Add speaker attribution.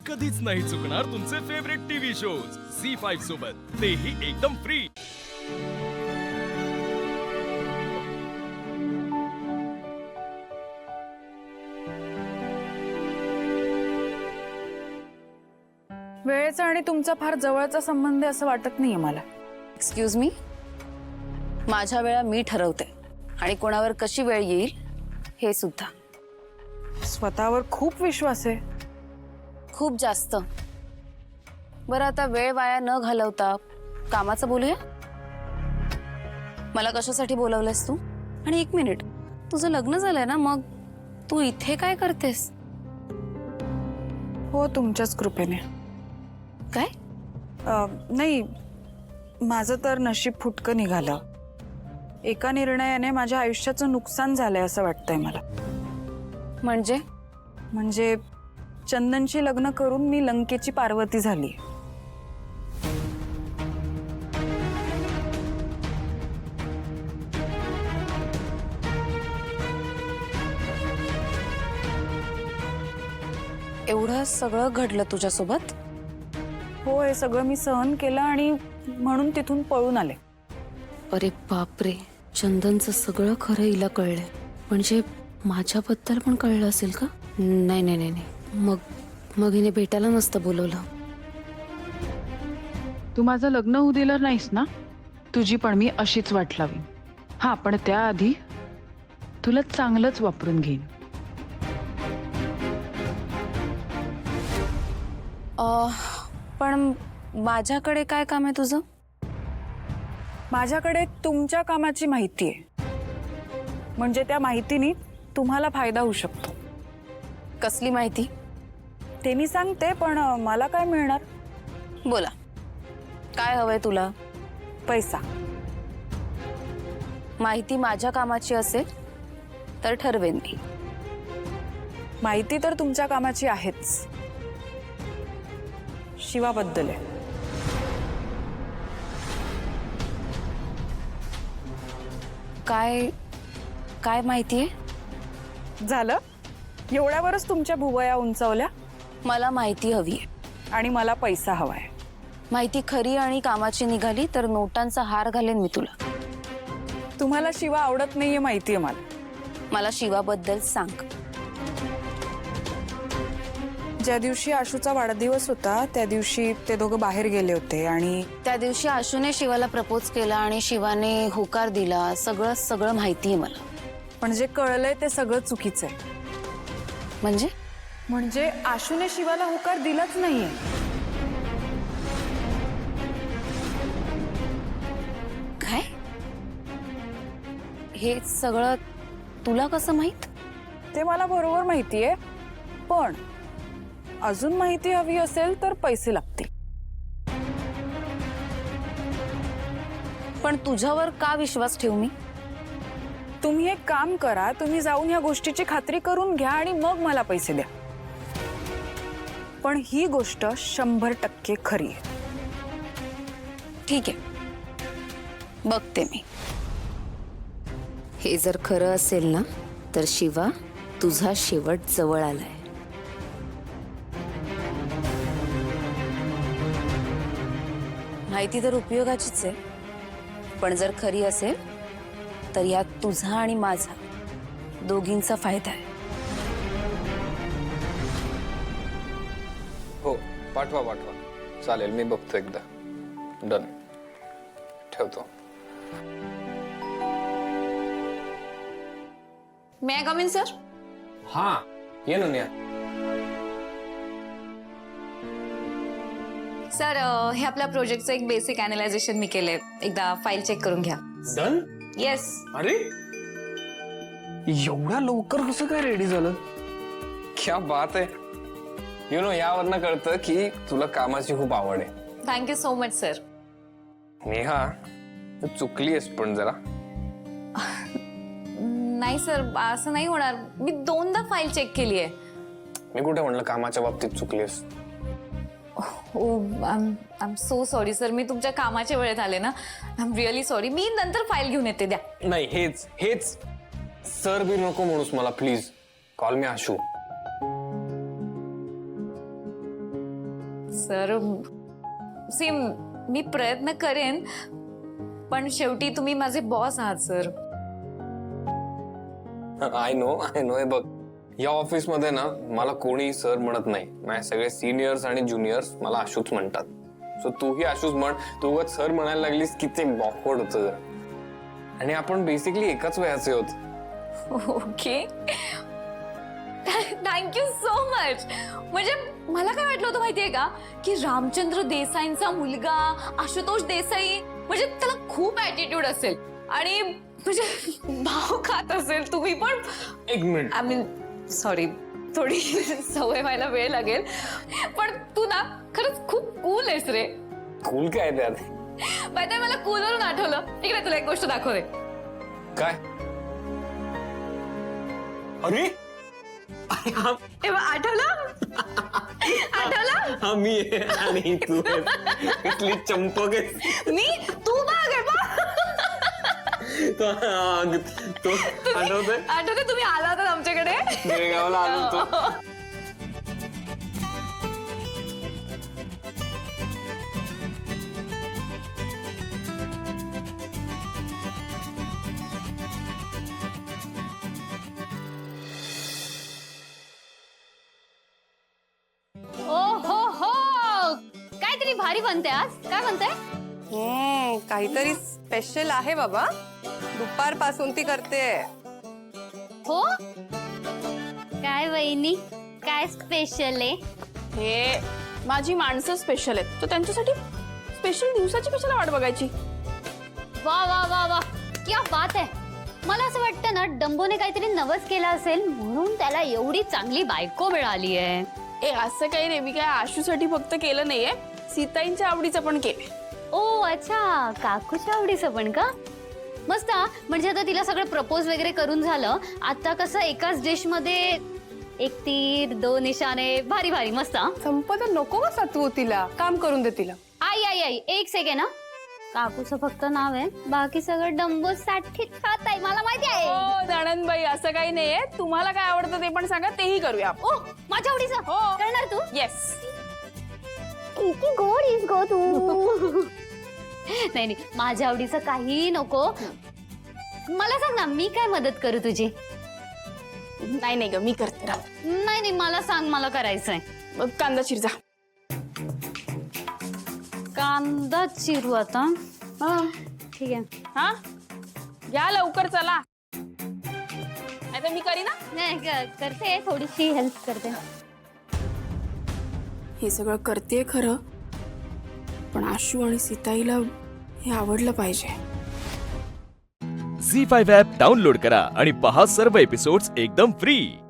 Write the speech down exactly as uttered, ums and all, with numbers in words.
Speaker 1: कधीच नाही चुकणार तुमचे favourite TV shows Zee five सोबत, तेही एकदम फ्री।
Speaker 2: वेळेचा आणि तुमचा फार जवळचा संबंध आहे असं वाटत नाहीये मला।
Speaker 3: एक्सक्यूज मी, माझ्या वेळा मी ठरवते आणि कोणावर कशी वेळ येईल हे सुद्धा।
Speaker 2: स्वतःवर खूप विश्वास आहे।
Speaker 3: खूप जास्त। बरं आता वेळ वाया न घालवता कामाचं बोलूया। मला कशासाठी बोलवलंस तू? आणि एक मिनिट, तुझं लग्न झालंय ना, मग तू इथे काय करतेस?
Speaker 2: हो, तुमच्याच कृपेने।
Speaker 3: काय?
Speaker 2: नाही, माझं तर नशीब फुटकं निघालं। एका निर्णयाने माझ्या आयुष्याचं नुकसान झालंय असं वाटतंय मला।
Speaker 3: म्हणजे?
Speaker 2: म्हणजे चंदनशी लग्न करून मी लंकेची पार्वती झाली।
Speaker 3: एवढं सगळं घडलं तुझ्यासोबत?
Speaker 2: हो, हे सगळं मी सहन केलं आणि म्हणून तिथून पळून आले।
Speaker 3: अरे बापरे, चंदनचं सगळं खरं हिला कळलंय। म्हणजे माझ्याबद्दल पण कळलं असेल का? नाही नाही नाही नाही, मग मग हिने भेटायला नसतं बोलवलं।
Speaker 2: तू माझं लग्न होऊ दिलं नाहीस ना, तुझी पण मी अशीच वाट लावी। हा, पण त्याआधी तुला चांगलंच वापरून घेईन।
Speaker 3: पण माझ्याकडे काय काम आहे तुझं?
Speaker 2: माझ्याकडे तुमच्या कामाची माहिती आहे, म्हणजे त्या माहितीने तुम्हाला फायदा होऊ शकतो।
Speaker 3: कसली माहिती?
Speaker 2: ते मी सांगते, पण मला काय मिळणार?
Speaker 3: बोला, काय हवंय तुला?
Speaker 2: पैसा।
Speaker 3: माहिती माझ्या कामाची असेल तर ठरवेन मी।
Speaker 2: माहिती तर तुमच्या कामाची आहेच, शिवाबद्दल आहे।
Speaker 3: काय काय माहिती आहे?
Speaker 2: झालं, एवढ्यावरच तुमच्या भुवया उंचावल्या?
Speaker 3: मला माहिती हवी आहे
Speaker 2: आणि मला पैसा हवाय।
Speaker 3: माहिती खरी आणि कामाची निघाली तर नोटांचा हार घालेन मी तुला।
Speaker 2: तुम्हाला शिवा आवडत नाहीये माहितीये मला।
Speaker 3: मला शिवाबद्दल सांग।
Speaker 2: ज्या दिवशी आशूचा वाढदिवस होता त्या दिवशी ते दोघं बाहेर गेले होते आणि
Speaker 3: त्या दिवशी आशूने शिवाला प्रपोज केला आणि शिवाने होकार दिला, सगळं सगळं माहिती आहे मला।
Speaker 2: पण जे कळलंय ते सगळं चुकीचं आहे।
Speaker 3: म्हणजे?
Speaker 2: म्हणजे आशूने शिवाला होकार दिलाच नाहीये।
Speaker 3: काय? हे सगळं तुला कसं माहित?
Speaker 2: ते मला बरोबर माहितीये, पण अजून माहिती हवी असेल तर पैसे लागतील।
Speaker 3: पण तुझ्यावर का विश्वास ठेवू मी?
Speaker 2: तुम्ही एक काम करा, तुम्ही जाऊन या गोष्टीची खात्री करून घ्या आणि मग मला पैसे द्या। पण ही गोष्ट शंभर टक्के खरी आहे।
Speaker 3: ठीक आहे, बघते मी। हे जर खरं असेल ना, तर शिवा तुझा शेवट जवळ आलाय। माहिती तर उपयोगाचीच आहे, पण जर खरी असेल तर यात तुझा आणि माझा दोघींचा फायदा आहे।
Speaker 4: हो, पाठवा पाठवा, चालेल, मी बघतो एकदा। डन, ठेवतो।
Speaker 3: May I come in sir?
Speaker 4: हाँ, ये ना नेहा।
Speaker 5: सर, हे आपल्या प्रोजेक्टचं एक बेसिक अॅनालायझेशन मी केलंय, एकदा फाईल चेक करून घ्या।
Speaker 4: डन?
Speaker 5: येस।
Speaker 4: अरे, एवढा लवकर कसं काय रेडी झालं? क्या बात आहे। यू नो, यावरनं कळतं की तुला कामाची खूप आवड आहे।
Speaker 5: Thank you so much sir.
Speaker 4: Neha, तू चुकलीस पण जरा।
Speaker 5: नाही सर, असं नाही होणार, मी दोनदा फाईल चेक केली आहे।
Speaker 4: मी कुठे म्हणलं कामाच्या बाबतीत चुकलीस?
Speaker 5: ओ, I am so sorry sir, मी तुमच्या कामाच्या वेळेत आले ना, आय एम रिअली सॉरी। मी नंतर फाईल घेऊन येते, द्या।
Speaker 4: नाही, हेच हेच सर बी नको म्हणूस मला, प्लीज कॉल मी आशू।
Speaker 5: सर सी मी प्रयत्न करेन, पण शेवटी तुम्ही माझे बॉस आहात sir.
Speaker 4: I know I know हे बघ, या ऑफिस मध्ये ना मला कोणी सर म्हणत नाही. माझे सगळे सिनियर्स आणि ज्युनियर्स मला आशूच म्हणतात. सो तूही आशूच म्हण. तू उगाच सर म्हणायला लागलीस की ते बॉकवर्ड होतं जरा. आणि आपण बेसिकली एकाच वयाचे आहोत.
Speaker 5: Okay, thank you so much. म्हणजे मला काय वाटलं होतं माहितीये का, की रामचंद्र देसाईंचा मुलगा आशुतोष देसाई म्हणजे त्याला खूप ऍटिट्यूड असेल आणि म्हणजे भाव खात असेल. तुम्ही पण
Speaker 4: एक मिनिट,
Speaker 5: आय मीन सॉरी, थोडी सवय व्हायला वेळ लागेल, पण तू ना खरंच खूप कूल आहेस रे.
Speaker 4: कूल काय त्यात?
Speaker 5: माहिती मला कूल वरून आठवलं. इकडे तुला एक गोष्ट दाखवते.
Speaker 4: काय? अरे
Speaker 5: तेव्हा आठवलं आठवलं
Speaker 4: हा मी आहे आणि तू इथली चंपक आहे.
Speaker 5: मी तू बघ हे बघ.
Speaker 4: तो तो आठवतंय
Speaker 5: आठवते तुम्ही आला होता आमच्याकडे
Speaker 4: बेळगावला आलो होतो.
Speaker 3: ओ हो हो, काहीतरी भारी बनते आज. काय बनते?
Speaker 6: हम्म, काहीतरी स्पेशल आहे बाबा. दुपारपासून ती करते.
Speaker 3: हो, काय वहिनी, काय स्पेशल आहे?
Speaker 7: हे माझी माणसं स्पेशल आहेत, तर त्यांच्यासाठी स्पेशल दिवसाची कशाला वाट बघायची.
Speaker 3: वा वा वा वा, क्या बात आहे. मला असं वाटतं ना, डंबोने काहीतरी नवस केला असेल म्हणून त्याला एवढी चांगली बायको मिळाली आहे.
Speaker 7: ए असं काही नाही, मी काय आशूसाठी फक्त केलं नाहीये, सीताईंच्या आवडीचं पण केलंय.
Speaker 3: ओ अच्छा, काकूच्या आवडीचं पण का? मस्त हा. म्हणजे आता तिला सगळं प्रपोज वगैरे करून झालं. आता कसं एकाच डिश मध्ये एक तीर दोन निशाणे, भारी भारी मस्त हा.
Speaker 6: संपत नको का सातवू तिला, काम करून दे तिला.
Speaker 3: आई आई आई एक सेकंड ना, काकूचं फक्त नाव आहे, बाकी सगळं डंबो साठी खात आहे, मला माहिती आहे.
Speaker 7: हो नणंदबाई, असं काही नाहीये. तुम्हाला काय आवडतं ते पण सांगा, तेही करूया.
Speaker 3: ओ माझ्या आवडीचं
Speaker 7: हो.
Speaker 3: करणार तू?
Speaker 7: येस.
Speaker 3: किती गोड आहेस गो तू. नाही नाही, माझ्या आवडीचं काही नको. मला सांग ना, मी काय मदत करू तुझी?
Speaker 7: नाही नाही ग, मी करते. राव,
Speaker 3: नाही नाही, मला सांग, मला करायचंय.
Speaker 7: मग कांदा चिरजा.
Speaker 3: कांदा चिरू आता.
Speaker 7: हा
Speaker 3: ठीक आहे.
Speaker 7: हा घ्या लवकर, चला. नाही तर मी करी ना.
Speaker 3: नाही क- करते, थोडीशी हेल्प करते.
Speaker 7: हे सगळं करते खरं, पण आशू आणि सीताईला हे आवडलं पाहिजे.
Speaker 1: झी फाईव्ह ॲप डाउनलोड करा आणि पहा सर्व एपिसोड्स एकदम फ्री.